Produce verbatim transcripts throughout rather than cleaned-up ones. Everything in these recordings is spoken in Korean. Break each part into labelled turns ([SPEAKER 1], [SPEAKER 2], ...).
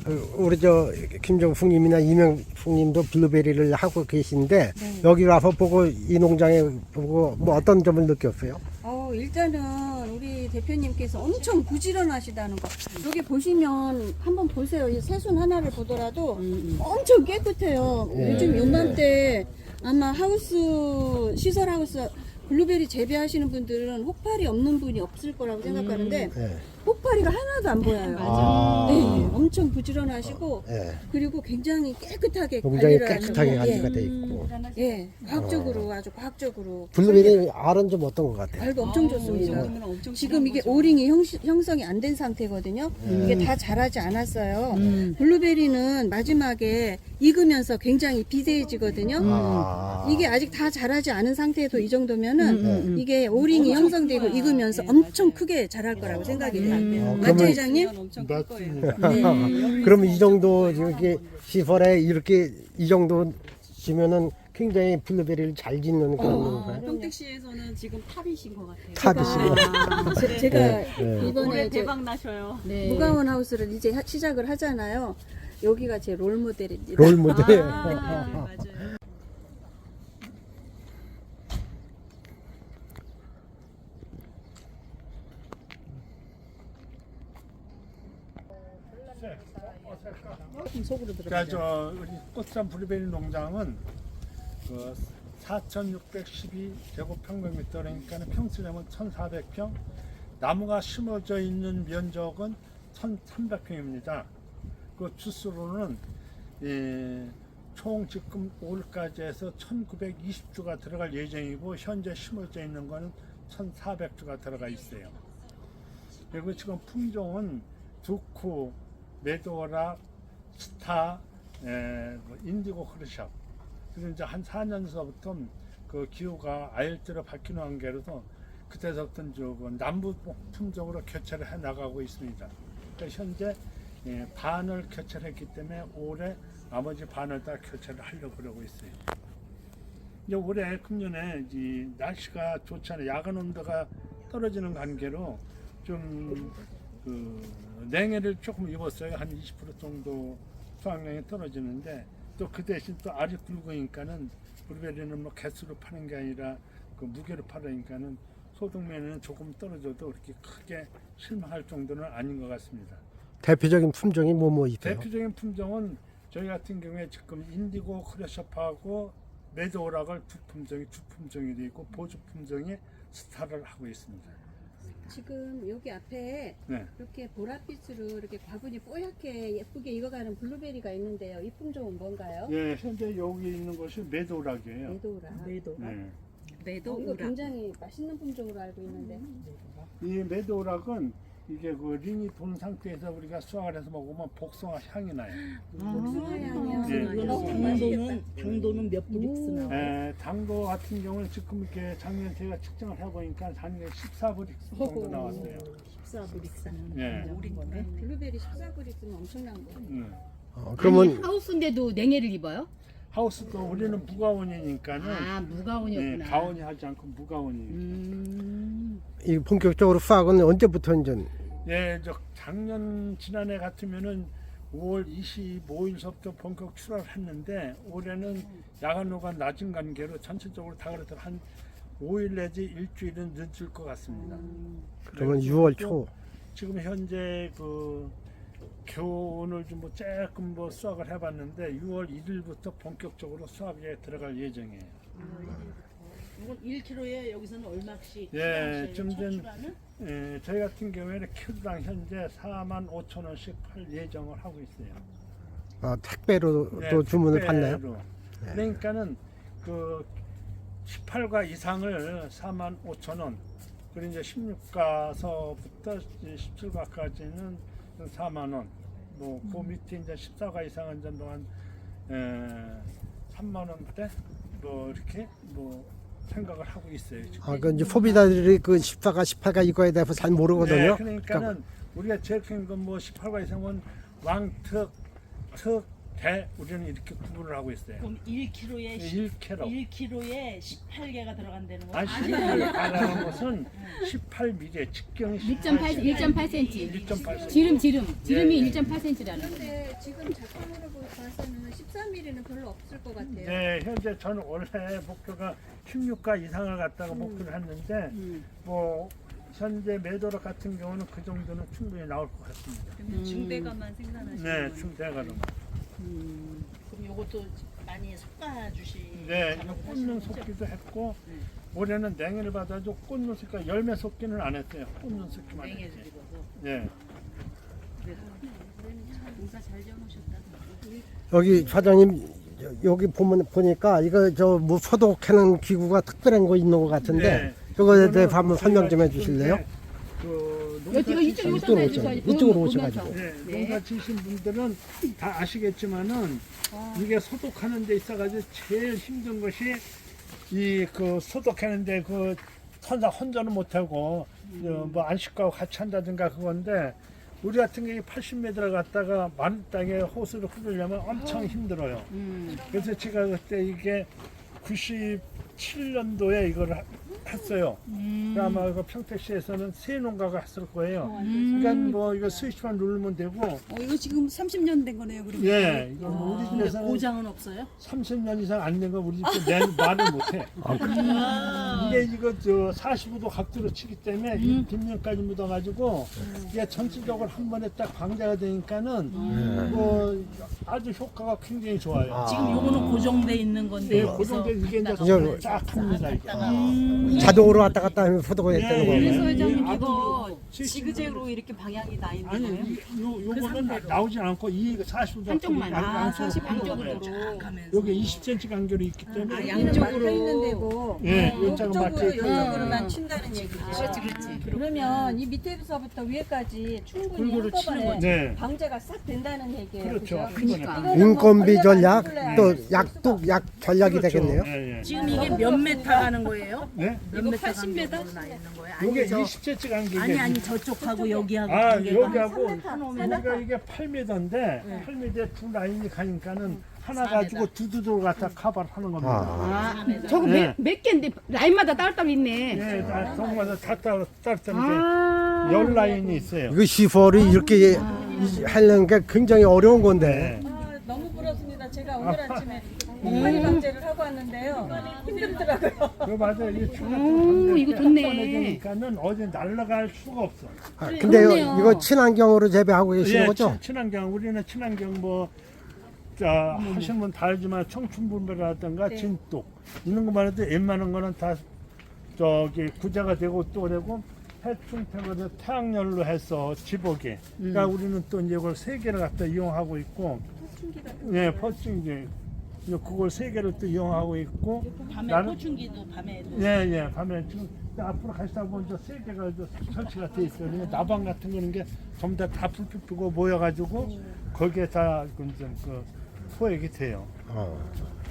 [SPEAKER 1] 그 우리 저 김정숙님이나 이명숙님도 블루베리를 하고 계신데
[SPEAKER 2] 네.
[SPEAKER 1] 여기 와서 보고 이 농장에 보고 뭐 어떤 점을 느꼈어요?
[SPEAKER 2] 어, 일단은 우리 대표님께서 엄청 부지런하시다는 거. 여기 보시면 한번 보세요. 이 새순 하나를 보더라도 엄청 깨끗해요.
[SPEAKER 1] 네.
[SPEAKER 2] 요즘 요맘때 아마 하우스, 시설 하우스 블루베리 재배하시는 분들은 혹파리 없는 분이 없을 거라고 생각하는데
[SPEAKER 1] 네.
[SPEAKER 2] 혹파리가 하나도 안 보여요.
[SPEAKER 1] 아.
[SPEAKER 2] 네, 엄청 부지런하시고
[SPEAKER 1] 네.
[SPEAKER 2] 그리고 굉장히 깨끗하게
[SPEAKER 1] 굉장히
[SPEAKER 2] 관리를
[SPEAKER 1] 깨끗하게
[SPEAKER 2] 하시고,
[SPEAKER 1] 관리가
[SPEAKER 2] 예,
[SPEAKER 1] 돼 있고.
[SPEAKER 2] 예, 과학적으로 아주 과학적으로
[SPEAKER 1] 블루베리 알은 좀 어떤 것 같아요?
[SPEAKER 2] 알도 엄청 좋습니다. 지금 이게 오링이 형, 형성이 안 된 상태거든요. 이게 다 자라지 않았어요. 블루베리는 마지막에 익으면서 굉장히 비대해지거든요.
[SPEAKER 1] 아.
[SPEAKER 2] 이게 아직 다 자라지 않은 상태에서 이 정도면은 이게 오링이 형성되고 익으면서 엄청 크게 자랄 거라고 생각이 돼요.
[SPEAKER 1] 어,
[SPEAKER 2] 맞죠,
[SPEAKER 1] 그러면-
[SPEAKER 2] 회장님?
[SPEAKER 1] 맞습니다.
[SPEAKER 2] 네.
[SPEAKER 1] 그럼 이 정도 이렇게 시설에 이렇게 이 정도 지면은 굉장히 블루베리를 잘 짓는 그런 건가요?
[SPEAKER 3] 평택시에서는 지금 탑이신 것 같아요.
[SPEAKER 1] 탑이시고.
[SPEAKER 2] 아, 제- 제가
[SPEAKER 1] 네, 네.
[SPEAKER 2] 이번에
[SPEAKER 3] 올해
[SPEAKER 2] 이제
[SPEAKER 3] 대박 나셔요.
[SPEAKER 2] 무가원 하우스를 이제 하- 시작을 하잖아요. 여기가 제 롤 모델입니다.
[SPEAKER 1] 롤 모델.
[SPEAKER 3] 아, 맞아요.
[SPEAKER 2] 속으로 들어.
[SPEAKER 4] 그러니까 저 우리 꽃산 블루베리 농장은 그 사천육백십이 제곱평방미터 그러니까 평수량은 천사백 평, 나무가 심어져 있는 면적은 천삼백 평입니다. 그 주수로는 예, 총 지금 올까지 해서 천구백이십 주가 들어갈 예정이고 현재 심어져 있는 거는 천사백 주가 들어가 있어요. 그리고 지금 품종은 두쿠, 메도라, 스타, 에, 뭐 인디고 크루샵. 그리고 이제 한 사 년서부터 그 기후가 아열대로 바뀌는 관계로도 그때서부터 그 남부 품종으로 교체를 해 나가고 있습니다. 그러니까 현재 예, 반을 교체를 했기 때문에 올해 나머지 반을 다 교체를 하려고 그러고 있어요. 이제 올해 금년에 이 날씨가 좋지 않아요. 야간 온도가 떨어지는 관계로 좀 그 냉해를 조금 입었어요. 한 이십 퍼센트 정도 수확량이 떨어지는데 또 그 대신 또 알이 굵으니까는 블루베리는 뭐 개수로 파는 게 아니라 그 무게로 팔으니까는 소득면에는 조금 떨어져도 그렇게 크게 실망할 정도는 아닌 것 같습니다.
[SPEAKER 1] 대표적인 품종이 뭐 뭐 있어요?
[SPEAKER 4] 대표적인 품종은 저희 같은 경우에 지금 인디고 크레셔프하고 메도락을 두 품종이 주 품종이 되어 있고 보조 품종이 스타를 하고 있습니다.
[SPEAKER 2] 지금 여기 앞에
[SPEAKER 4] 네.
[SPEAKER 2] 이렇게 보랏빛으로 이렇게 과분이 뽀얗게 예쁘게 익어가는 블루베리가 있는데요. 이 품종은 뭔가요?
[SPEAKER 4] 예, 현재 여기 있는 것이 메도락이에요.
[SPEAKER 2] 메도라.
[SPEAKER 4] 네.
[SPEAKER 3] 매도
[SPEAKER 2] 어, 이거
[SPEAKER 3] 우라.
[SPEAKER 2] 굉장히 맛있는 품종으로 알고 있는데.
[SPEAKER 4] 이 메도락은 이게 그 링이 돈 상태에서 우리가 수확을 해서 먹으면 복숭아 향이 나요.
[SPEAKER 2] 복숭아향이요.
[SPEAKER 4] 예.
[SPEAKER 5] 당도는 당도는 몇 브릭스나?
[SPEAKER 4] 에, 당도 같은 경우는 지금 이렇게 작년 제가 측정을 해보니까 작년에 십사 브릭스 정도 나왔어요.
[SPEAKER 5] 십사 브릭스.
[SPEAKER 4] 예.
[SPEAKER 2] 블루베리 십사 그릭 쓰면 엄청난 거예요.
[SPEAKER 4] 음.
[SPEAKER 1] 어, 그러면
[SPEAKER 6] 하우스인데도 냉해를 입어요?
[SPEAKER 4] 하우스도 우리는 무가온이니까는
[SPEAKER 6] 아
[SPEAKER 4] 예,
[SPEAKER 6] 무가온이었구나.
[SPEAKER 4] 가온이 하지 않고 무가온이니까.
[SPEAKER 6] 음.
[SPEAKER 1] 이 본격적으로 수확은 언제부터 이제
[SPEAKER 4] 예, 저 작년 지난해 같으면은 오월 이십오일서부터 본격 출하를 했는데 올해는 야간호가 낮은 관계로 전체적으로 다 그래도 한 오 일 내지 일주일은 늦을 것 같습니다.
[SPEAKER 1] 그러면 유월 초.
[SPEAKER 4] 지금 현재 그 교훈을 좀 뭐 조금 뭐 수확을 해봤는데 유월 일일부터 본격적으로 수확에 들어갈 예정이에요.
[SPEAKER 5] 이건 일 킬로그램에 여기서는 얼마씩?
[SPEAKER 4] 예, 좀 전-
[SPEAKER 5] 추출하는?
[SPEAKER 4] 예, 저희 같은 경우에는 키로당 현재 사만 오천 원씩 팔 예정을 하고 있어요.
[SPEAKER 1] 아, 택배로
[SPEAKER 4] 네,
[SPEAKER 1] 또 주문을
[SPEAKER 4] 택배로.
[SPEAKER 1] 받나요?
[SPEAKER 4] 그러니까는 그 십팔 가 이상을 사만 오천 원, 그리고 이제 십육 가서부터 십칠 가까지는 사만 원, 뭐 그 밑에 이제 십사 가 이상은 좀 또한 삼만 원대 뭐 이렇게 뭐 생각을 하고 있어요. 지금.
[SPEAKER 1] 아, 그 이제 소비자들이 그 십사가 십팔가 이거에 대해서 잘 모르거든요.
[SPEAKER 4] 네, 그러니까는 우리가 제일 큰 건 뭐 십팔 가 이상은 왕특, 특, 대 우리는 이렇게 구분을 하고 있어요.
[SPEAKER 5] 그럼 일 킬로그램에
[SPEAKER 4] 일 킬로그램.
[SPEAKER 5] 일 킬로그램에 십팔 개가 들어간다는 거예요?
[SPEAKER 4] 아니 십팔이라는 것은 십팔 밀리미터 직경이
[SPEAKER 6] 일 점 팔 일 점 팔 센티미터.
[SPEAKER 4] 일 점 팔
[SPEAKER 6] 지름 지름 지름이
[SPEAKER 4] 예, 예.
[SPEAKER 6] 일 점 팔 센티미터라는 거예요.
[SPEAKER 2] 근데 지금 작성으로 봐서는 십삼 밀리미터는 별로 없을 것 같아요.
[SPEAKER 4] 네, 현재 저는 원래 목표가 십육가 이상을 갖다가 목표를 했는데 뭐 현재 매도력 같은 경우는 그 정도는 충분히 나올 것 같습니다.
[SPEAKER 3] 그러면 중대가만 생산하시는
[SPEAKER 4] 네,
[SPEAKER 3] 거예요?
[SPEAKER 4] 중대가로.
[SPEAKER 5] 음, 그럼 요것도 많이 솎아 주시.
[SPEAKER 4] 네, 이거 꽂는 섞기도 했고 올해는 냉해를 받아도 꽂는 섞기 열매 섞기는 안 했어요. 꽂는 섞기만
[SPEAKER 5] 냉해
[SPEAKER 4] 했어요.
[SPEAKER 5] 드리고서.
[SPEAKER 4] 네.
[SPEAKER 3] 농사 잘 지어놓으셨다.
[SPEAKER 1] 여기 사장님 여- 여기 보면 보니까 이거 저 뭐 소독하는 기구가 특별한 거 있는 것 같은데
[SPEAKER 4] 네.
[SPEAKER 1] 그거에 대해 한번 설명 좀 해주실래요?
[SPEAKER 4] 그
[SPEAKER 6] 이거 이거 이쪽으로
[SPEAKER 1] 이쪽으로
[SPEAKER 6] 오셔서
[SPEAKER 1] 오셔-
[SPEAKER 6] 해주셔야지.
[SPEAKER 1] 이쪽으로
[SPEAKER 6] 보면서.
[SPEAKER 1] 오셔가지고.
[SPEAKER 4] 네,
[SPEAKER 6] 네.
[SPEAKER 4] 농사 지으신 분들은 다 아시겠지만은 이게 소독하는 데 있어가지고 제일 힘든 것이 이 그 소독하는데 그 혼자 혼자는 못하고 뭐 안식과하고 같이 한다든가 그건데 우리 같은 경우 팔십 미터를 갖다가 마른 땅에 호수를 흐르려면 엄청 힘들어요.
[SPEAKER 6] 음.
[SPEAKER 4] 그래서 제가 그때 이게 구십칠 년도에 이걸 하- 했어요. 그 아마 그 평택시에서는 세 농가가 했을 거예요. 그러니까 뭐 이거 스위치만 누르면 되고,
[SPEAKER 3] 어, 이거 지금 삼십 년 된 거네요, 그러면?
[SPEAKER 4] 예, 이거 뭐 우리
[SPEAKER 5] 근데
[SPEAKER 4] 집에서는
[SPEAKER 5] 고장은 없어요?
[SPEAKER 4] 삼십 년 이상 안 된 거 우리 집에 내 말을 못해. 이게 이거 저 사십오 도 각도로 치기 때문에 이 뒷면까지 묻어가지고 이게 전체적으로 한 번에 딱 방제가 되니까는 뭐 아주 효과가 굉장히 좋아요.
[SPEAKER 1] 아.
[SPEAKER 5] 지금 요거는 고정돼 있는 건데
[SPEAKER 4] 예,
[SPEAKER 5] 여기서
[SPEAKER 4] 고정돼 이게 이제
[SPEAKER 1] 이거-
[SPEAKER 4] 쫙 합니다 이게.
[SPEAKER 1] 자동으로 왔다 갔다 하면 소독을 했다는
[SPEAKER 4] 예,
[SPEAKER 1] 거예요.
[SPEAKER 3] 그래서
[SPEAKER 4] 예.
[SPEAKER 3] 회장님
[SPEAKER 4] 예,
[SPEAKER 3] 이거
[SPEAKER 4] 아주
[SPEAKER 3] 지그재그로 이렇게 방향이 나 있는
[SPEAKER 4] 아니
[SPEAKER 3] 거예요?
[SPEAKER 4] 이- 요 요거는 나- 나오진 않고 이 사십오 도
[SPEAKER 6] 한쪽만.
[SPEAKER 3] 아, 사십
[SPEAKER 6] 양쪽으로.
[SPEAKER 4] 여기 이십 센티미터 간격이 있기 때문에
[SPEAKER 2] 아, 양쪽으로 막혀 있는 데고
[SPEAKER 4] 예, 요쪽은
[SPEAKER 2] 이쪽으로
[SPEAKER 4] 맞지.
[SPEAKER 2] 이쪽으로만 친다는 얘기죠.
[SPEAKER 6] 그렇지 그렇지.
[SPEAKER 2] 그러면 이 밑에서부터 위에까지 충분히
[SPEAKER 4] 골고루 치는
[SPEAKER 2] 한꺼번에
[SPEAKER 4] 거지. 네.
[SPEAKER 2] 방제가 싹 된다는 얘기예요.
[SPEAKER 4] 그렇죠.
[SPEAKER 2] 그죠?
[SPEAKER 4] 한 번에.
[SPEAKER 6] 그러니까.
[SPEAKER 2] 이거는 뭐
[SPEAKER 1] 인건비 전략
[SPEAKER 2] 전략을
[SPEAKER 1] 또
[SPEAKER 2] 불러야
[SPEAKER 1] 약도 약 전략이 되겠네요.
[SPEAKER 4] 예, 예.
[SPEAKER 5] 지금 이게 몇 메타 가는 거예요?
[SPEAKER 4] 네?
[SPEAKER 5] 몇
[SPEAKER 3] 이거
[SPEAKER 5] 메타
[SPEAKER 3] 팔십 미터?
[SPEAKER 5] 간격으로 나 있는 거예요?
[SPEAKER 4] 요게
[SPEAKER 5] 아니 저
[SPEAKER 4] 이십 센티미터 간격이
[SPEAKER 5] 아니 아니 저쪽하고 여기하고
[SPEAKER 4] 아,
[SPEAKER 5] 간격이
[SPEAKER 4] 여기하고
[SPEAKER 2] 삼 미터,
[SPEAKER 4] 우리가 이게 팔 미터인데 팔 미터에 두 라인이 가니까는 하나 가지고 두두두 갖다 커버를 하는 겁니다.
[SPEAKER 1] 아.
[SPEAKER 6] 아, 저거
[SPEAKER 4] 네.
[SPEAKER 6] 몇, 몇 개인데 라인마다 따로따로 있네.
[SPEAKER 4] 예, 다 동마다 다 따로 따로 따로
[SPEAKER 6] 아.
[SPEAKER 4] 열 라인이 있어요.
[SPEAKER 1] 이거 시설이 이렇게 이- 하려는 게 굉장히 어려운 건데.
[SPEAKER 4] 네.
[SPEAKER 2] 아, 너무 부럽습니다. 제가 오늘 아침에 곰팡이 방제를 하고 왔는데요. 힘들더라고요.
[SPEAKER 4] 그 맞아요. 이게
[SPEAKER 6] 오, 이거 좋네.
[SPEAKER 4] 되니까는 어디 날아갈 수가 없어.
[SPEAKER 1] 아, 근데
[SPEAKER 6] 그렇네요.
[SPEAKER 1] 이거 친환경으로 재배하고 계시는
[SPEAKER 4] 예,
[SPEAKER 1] 거죠?
[SPEAKER 4] 친- 친환경 우리는 친환경 뭐 자, 하시는 분 다 알지만 청춘분배라든가 진똑 이런 것만 해도 웬만한 거는 다 저기 구제가 되고 또 그리고 해충택을 태양열로 해서 지보개. 그러니까 우리는 또 이제 이걸 세 개를 갖다 이용하고 있고, 예, 퍼충기. 이제 그걸 세 개를 또 이용하고 있고,
[SPEAKER 5] 밤에
[SPEAKER 4] 나는-
[SPEAKER 5] 포춘기도 밤에도
[SPEAKER 4] 예, 예, 밤에 지금 앞으로 가시다 보면 저 세 개가 저 설치가 돼 있어요. 그러니까 나방 같은 거는 게 전부 다 다 불빛 끄고 모여가지고 거기에 다 이제 그 포획이 돼요.
[SPEAKER 1] 어.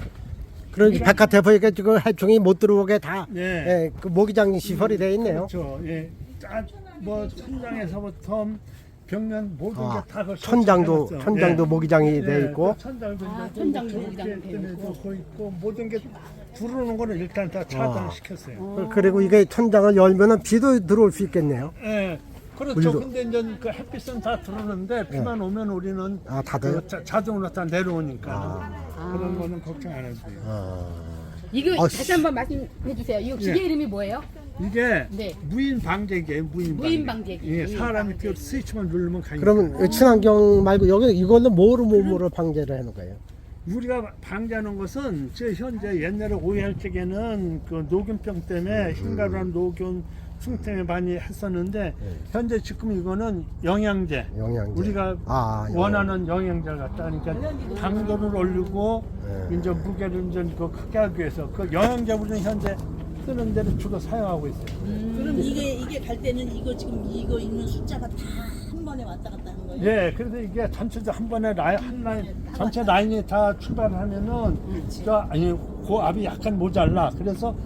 [SPEAKER 1] 그러니까 백화대포에게 지금 해충이 못 들어오게 다
[SPEAKER 4] 예.
[SPEAKER 1] 예, 그 모기장 시설이 돼 있네요.
[SPEAKER 4] 그렇죠. 예, 짜- 뭐 천장에서부터 벽면 모든
[SPEAKER 1] 아,
[SPEAKER 4] 게다 그
[SPEAKER 1] 천장도
[SPEAKER 4] 설치해놨어요.
[SPEAKER 1] 천장도
[SPEAKER 4] 예.
[SPEAKER 1] 모기장이
[SPEAKER 4] 예,
[SPEAKER 1] 돼 있고.
[SPEAKER 4] 또 천장도
[SPEAKER 6] 아,
[SPEAKER 4] 이제
[SPEAKER 6] 천장도
[SPEAKER 4] 좀
[SPEAKER 6] 모기장이
[SPEAKER 4] 이렇게
[SPEAKER 6] 돼
[SPEAKER 4] 때문에 거 있고 모든 게 들어오는 거는 일단 다 차단을
[SPEAKER 1] 아.
[SPEAKER 4] 시켰어요.
[SPEAKER 1] 그- 그리고 이게 천장을 열면은 비도 들어올 수 있겠네요.
[SPEAKER 4] 예. 그렇죠.
[SPEAKER 1] 물도.
[SPEAKER 4] 근데 이제 그 햇빛은 다 들어오는데 비만 오면 우리는
[SPEAKER 1] 아, 다들?
[SPEAKER 4] 그 자, 자동으로 다 내려오니까
[SPEAKER 1] 아.
[SPEAKER 4] 그런 거는 걱정 안 해도 돼요.
[SPEAKER 1] 아.
[SPEAKER 6] 이거
[SPEAKER 1] 아,
[SPEAKER 6] 다시 한번 말씀해 주세요. 이거 기계
[SPEAKER 4] 예.
[SPEAKER 6] 이름이 뭐예요?
[SPEAKER 4] 이게
[SPEAKER 6] 네.
[SPEAKER 4] 무인 방제기예요. 무인 방제기.
[SPEAKER 6] 무인 방제기.
[SPEAKER 4] 예,
[SPEAKER 6] 무인
[SPEAKER 4] 사람이
[SPEAKER 6] 방제기.
[SPEAKER 4] 그 스위치만 누르면 가니까.
[SPEAKER 1] 그러면 친환경 말고 여기 이거는 뭐로 몸으로 방제를 해놓은 거예요?
[SPEAKER 4] 우리가 방제하는 것은 저 현재 옛날에 오해할 적에는 그 녹균병 때문에 흰가루랑 녹균 충tem에 많이 했었는데 현재 지금 이거는 영양제.
[SPEAKER 1] 영양제.
[SPEAKER 4] 우리가
[SPEAKER 1] 아, 영양제.
[SPEAKER 4] 원하는 영양제를 갖다 그러니까 당도를 올리고
[SPEAKER 1] 네.
[SPEAKER 4] 이제 무게를 이제 그 크게 하기 위해서 그 영양제 우리는 현재 쓰는 데를 주로 사용하고 있어요.
[SPEAKER 5] 그럼 이게 이게 갈 때는 이거 지금 이거 있는 숫자가 다 한 번에 왔다 갔다 하는 거예요?
[SPEAKER 4] 예, 그래서 이게 전체적 한 번에 라인 한 라인 전체 라인이 다 출발하면은 저 아니 그 압이 약간 모자라. 그래서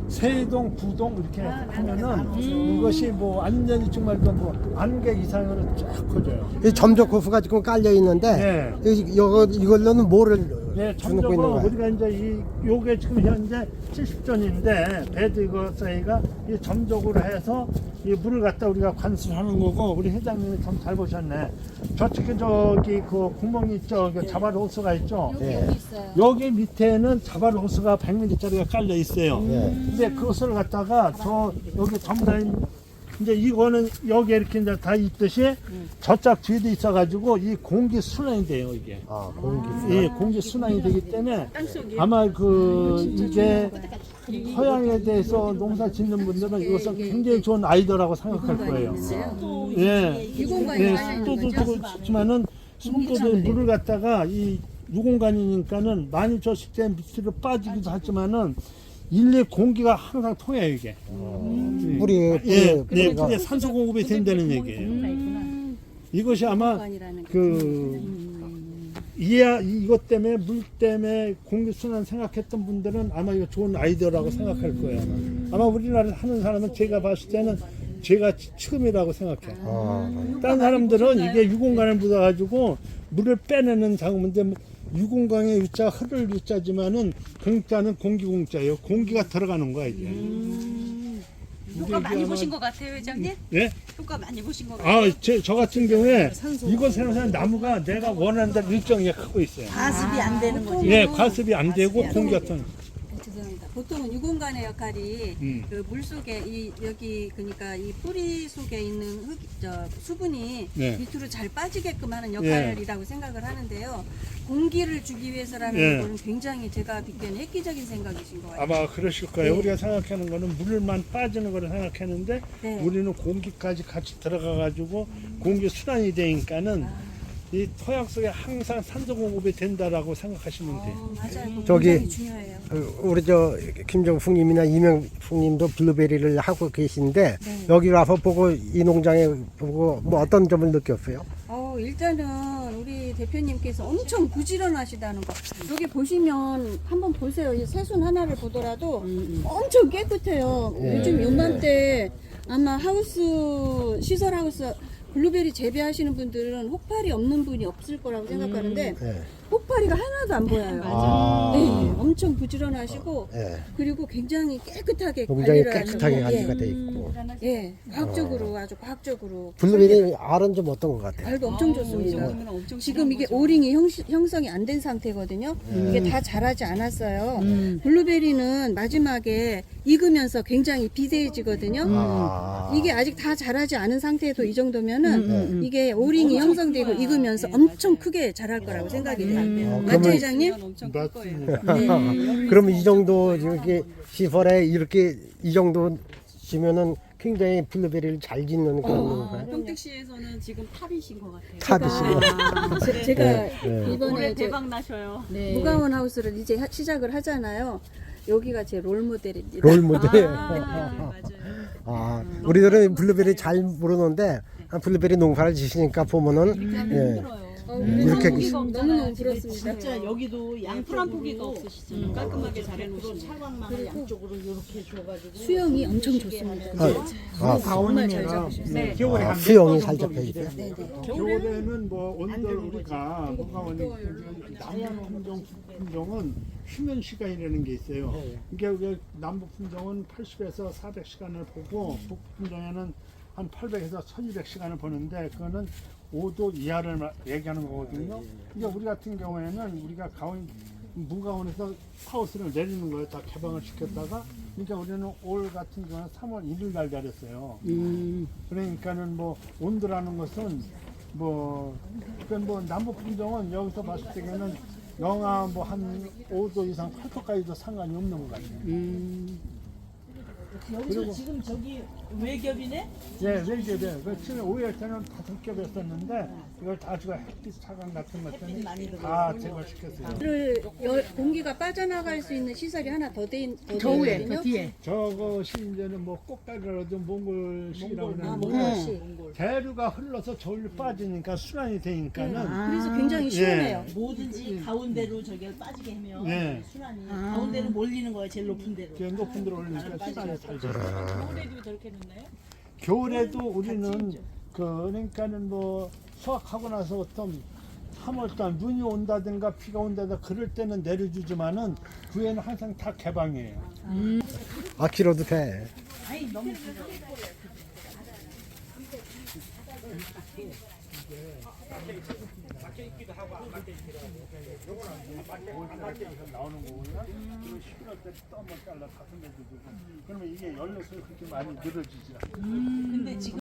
[SPEAKER 4] 세동, 부동 이렇게 하면은 이것이 뭐 완전히 정말 뭐 안개 이상으로 쫙 커져요.
[SPEAKER 1] 이 점적 호수가 지금 깔려 있는데
[SPEAKER 4] 네.
[SPEAKER 1] 이- 이거 이걸로는 뭐를
[SPEAKER 4] 네,
[SPEAKER 1] 주놓고 있는
[SPEAKER 4] 점적으로
[SPEAKER 1] 거야?
[SPEAKER 4] 우리가 이제 이 요게 지금 현재 칠십 전인데 베드 이거 저희가 이 점적으로 해서 이 물을 갖다 우리가 관수하는 거고 우리 회장님이 참 잘 보셨네. 저쪽에 저기 그 구멍이 있죠. 그 자발 호수가 있죠.
[SPEAKER 2] 여기
[SPEAKER 1] 예.
[SPEAKER 2] 여기 있어요.
[SPEAKER 4] 여기 밑에는 자발 호수가 백 밀리미터짜리가 깔려 있어요.
[SPEAKER 1] 예.
[SPEAKER 4] 근데 그것을 갖다가 저 여기 전부 다 이제 이거는 여기 이렇게 이제 다 있듯이 저쪽 뒤에도 있어가지고 이 공기 순환이 돼요 이게.
[SPEAKER 1] 아, 공기.
[SPEAKER 4] 예, 공기 순환이 되기 때문에
[SPEAKER 3] 땅속에
[SPEAKER 4] 아마 그 이게 토양에 대해서 농사 짓는 분들은 이것은 굉장히 좋은 아이디어라고 생각할 거예요.
[SPEAKER 5] 또
[SPEAKER 4] 예,
[SPEAKER 5] 이게
[SPEAKER 2] 유공관이
[SPEAKER 4] 예,
[SPEAKER 2] 깔려 있는
[SPEAKER 4] 습도도
[SPEAKER 2] 거죠?
[SPEAKER 4] 좋지만은 습도도 물을 갖다가 이 유공관이니까는 많이 줬을 때 밑으로 빠지기도 하지만은 일리 공기가 항상 통해요 이게.
[SPEAKER 1] 뿌리
[SPEAKER 4] 예,
[SPEAKER 1] 뿌리
[SPEAKER 4] 네,
[SPEAKER 1] 뿌리가
[SPEAKER 4] 그게 산소 공급이 된다는 얘기예요. 이것이 아마
[SPEAKER 2] 유공관이라는 게.
[SPEAKER 4] 그 이야 이것 때문에 물 때문에 공기 순환 생각했던 분들은 아마 이거 좋은 아이디어라고 생각할 거예요. 아마, 아마 우리나라 하는 사람은 제가 봤을 때는 제가 처음이라고 생각해.
[SPEAKER 1] 아,
[SPEAKER 4] 다른 사람들은 이게 유공관을 묻어가지고 물을 빼내는 작업인데 유공관의 유자 흐를 유자지만은 공자는 공기 공자예요. 공기가 들어가는 거야 이게.
[SPEAKER 3] 효과 많이
[SPEAKER 4] 아마-
[SPEAKER 3] 보신 것 같아요, 회장님?
[SPEAKER 4] 예?
[SPEAKER 3] 효과 많이 보신 것 같아요.
[SPEAKER 4] 아, 제, 저 같은 경우에 이곳 생산한 나무가 내가 원하는 대로 일정하게 크고 있어요.
[SPEAKER 5] 가습이 안 되는 거지.
[SPEAKER 4] 예, 과습이 안 되고 공기가 통.
[SPEAKER 2] 죄송합니다. 보통은 유공관의 역할이
[SPEAKER 4] 음.
[SPEAKER 2] 그 물 속에 이 여기 그러니까 이 뿌리 속에 있는 흙, 저 수분이
[SPEAKER 4] 네.
[SPEAKER 2] 밑으로 잘 빠지게끔 하는 역할이라고 생각을 하는데요. 공기를 주기 위해서라는
[SPEAKER 4] 예.
[SPEAKER 2] 거는 굉장히 제가 듣기에는 획기적인 생각이신 것 같아요.
[SPEAKER 4] 아마 그러실 거예요.
[SPEAKER 2] 네.
[SPEAKER 4] 우리가 생각하는 거는 물만 빠지는 거를 생각했는데
[SPEAKER 2] 네.
[SPEAKER 4] 우리는 공기까지 같이 들어가 가지고 공기 순환이 되니까는 이 토양 속에 항상 산소 공급이 된다라고 생각하시면 돼요.
[SPEAKER 2] 어, 맞아요. 그거
[SPEAKER 1] 저기-
[SPEAKER 2] 굉장히 중요해요.
[SPEAKER 1] 어, 우리 저 김정숙님이나 이명숙님도 블루베리를 하고 계신데
[SPEAKER 2] 네.
[SPEAKER 1] 여기 와서 보고 이 농장에 보고 뭐 어떤 점을 느꼈어요?
[SPEAKER 2] 어, 일단은 우리 대표님께서 엄청 부지런하시다는 거. 여기 보시면 한번 보세요. 이 새순 하나를 보더라도 엄청 깨끗해요.
[SPEAKER 1] 예.
[SPEAKER 2] 요즘 요맘때 아마 하우스, 시설 하우스 블루베리 재배하시는 분들은 혹파리 없는 분이 없을 거라고 생각하는데
[SPEAKER 1] 예.
[SPEAKER 2] 혹파리가 하나도 안 보여요.
[SPEAKER 1] 아.
[SPEAKER 2] 네, 엄청 부지런하시고
[SPEAKER 1] 예.
[SPEAKER 2] 그리고 굉장히 깨끗하게
[SPEAKER 1] 굉장히
[SPEAKER 2] 관리를
[SPEAKER 1] 깨끗하게
[SPEAKER 2] 하는
[SPEAKER 1] 관리가
[SPEAKER 2] 거.
[SPEAKER 1] 돼 있고.
[SPEAKER 2] 예, 예, 과학적으로 아주 과학적으로
[SPEAKER 1] 블루베리 알은 좀 어떤 것 같아요?
[SPEAKER 2] 알도 엄청
[SPEAKER 3] 이
[SPEAKER 2] 좋습니다.
[SPEAKER 3] 정도면 엄청
[SPEAKER 2] 지금 이게
[SPEAKER 3] 실한 거죠.
[SPEAKER 2] 오링이 형, 형성이 안 된 상태거든요. 이게 다 자라지 않았어요. 블루베리는 마지막에 익으면서 굉장히 비대해지거든요.
[SPEAKER 1] 아.
[SPEAKER 2] 이게 아직 다 자라지 않은 상태에도 이 정도면은 이게 오링이 형성되고 익으면서 엄청 크게 자랄 거라고 생각이 돼요.
[SPEAKER 1] 어,
[SPEAKER 2] 맞죠,
[SPEAKER 1] 그러면-
[SPEAKER 2] 회장님?
[SPEAKER 3] 엄청 클 거예요.
[SPEAKER 4] 맞습니다.
[SPEAKER 1] 그럼 이 정도 이렇게 시설에 이렇게 이 정도 지면은 굉장히 블루베리를 잘 짓는 그런 건가요?
[SPEAKER 3] 평택시에서는 지금 탑이신 것 같아요.
[SPEAKER 1] 탑이시고.
[SPEAKER 2] 제- 제가
[SPEAKER 1] 네, 네.
[SPEAKER 2] 이번에
[SPEAKER 3] 올해
[SPEAKER 2] 저
[SPEAKER 3] 대박 나셔요.
[SPEAKER 2] 무가원 하우스를 이제 하- 시작을 하잖아요. 여기가 제 롤 모델입니다.
[SPEAKER 1] 롤 모델.
[SPEAKER 3] 아, 맞아요.
[SPEAKER 1] 아, 우리들은 블루베리 잘 모르는데 아, 블루베리 농사를 지시니까 보면은 예.
[SPEAKER 2] 어,
[SPEAKER 1] 네,
[SPEAKER 2] 그래서
[SPEAKER 1] 이렇게
[SPEAKER 2] 너무너무 부럽습니다.
[SPEAKER 5] 진짜 여기도
[SPEAKER 3] 풀한
[SPEAKER 5] 양쪽으로
[SPEAKER 3] 포기가 없으시잖아요. 깔끔하게 잘 해놓으시네.
[SPEAKER 5] 차광망을 양쪽으로 이렇게 줘가지고
[SPEAKER 2] 수영이 엄청 좋습니다.
[SPEAKER 1] 아,
[SPEAKER 2] 정말 잘 잡으셨어요.
[SPEAKER 3] 네.
[SPEAKER 4] 겨울에
[SPEAKER 1] 아,
[SPEAKER 4] 한
[SPEAKER 1] 수영이 살 잡혀 있어요.
[SPEAKER 4] 겨울에는 뭐 온돌 우리가 무가원이 남부 품종 품종은 휴면 시간이라는 게 있어요. 이게 우리 남부 품종은 팔십에서 사백 시간을 보고 북 품종에는 한 팔백에서 천이백 시간을 보는데 그거는 오 도 이하를 마- 얘기하는 거거든요. 그러니까 우리 같은 경우에는 우리가 가온 무가원에서 하우스를 내리는 거예요. 다 개방을 시켰다가 그러니까 우리는 올 같은 경우는 삼월 일일 날 내렸어요. 그러니까는 뭐 온도라는 것은 뭐, 그러니까 뭐 남부 품종은 여기서 봤을 때는 영하 뭐 한 오 도 이상 팔 도까지도 상관이 없는 것 같아요.
[SPEAKER 5] 여기서 지금 저기 외겹이네?
[SPEAKER 4] 예, 외겹에 그 처음에 오일 때는 다섯 겹이었었는데 이걸 다 제가 햇빛 차광 같은 것 때문에 다 제거시켰어요.
[SPEAKER 2] 를 열, 공기가 빠져나갈 수 있는 시설이 하나 더 돼
[SPEAKER 6] 겨우에
[SPEAKER 2] 있거든요.
[SPEAKER 6] 그 뒤에.
[SPEAKER 4] 저것이 이제는 뭐 꽃가루라도 몽골식이라고
[SPEAKER 2] 아,
[SPEAKER 4] 그러는데
[SPEAKER 2] 몽골식.
[SPEAKER 4] 대류가 흘러서 저울로 빠지니까 순환이 되니까는
[SPEAKER 2] 그래서 굉장히 시원해요.
[SPEAKER 5] 뭐든지 가운데로 저기 빠지게 하면
[SPEAKER 4] 네.
[SPEAKER 5] 순환이 가운데로 몰리는 거예요. 제일 높은 데로.
[SPEAKER 4] 이렇게 높은 데로 올리니까 순환이 잘 돼요.
[SPEAKER 3] 겨울에도 저렇게 넣나요?
[SPEAKER 4] 겨울에도 우리는 그 그러니까는 뭐 수확하고 나서 어떤 삼월달 눈이 온다든가 비가 온다든가 그럴 때는 내려주지만은 그 후에는 항상 다 개방이에요.
[SPEAKER 1] 아 길어도 돼.
[SPEAKER 4] 나오는 거구나. 그리고 십일월 때 또 한 번 잘라 다섯 개 주고. 그러면 이게 열려서 그렇게 많이 늘어지지 않아요.
[SPEAKER 5] 근데 지금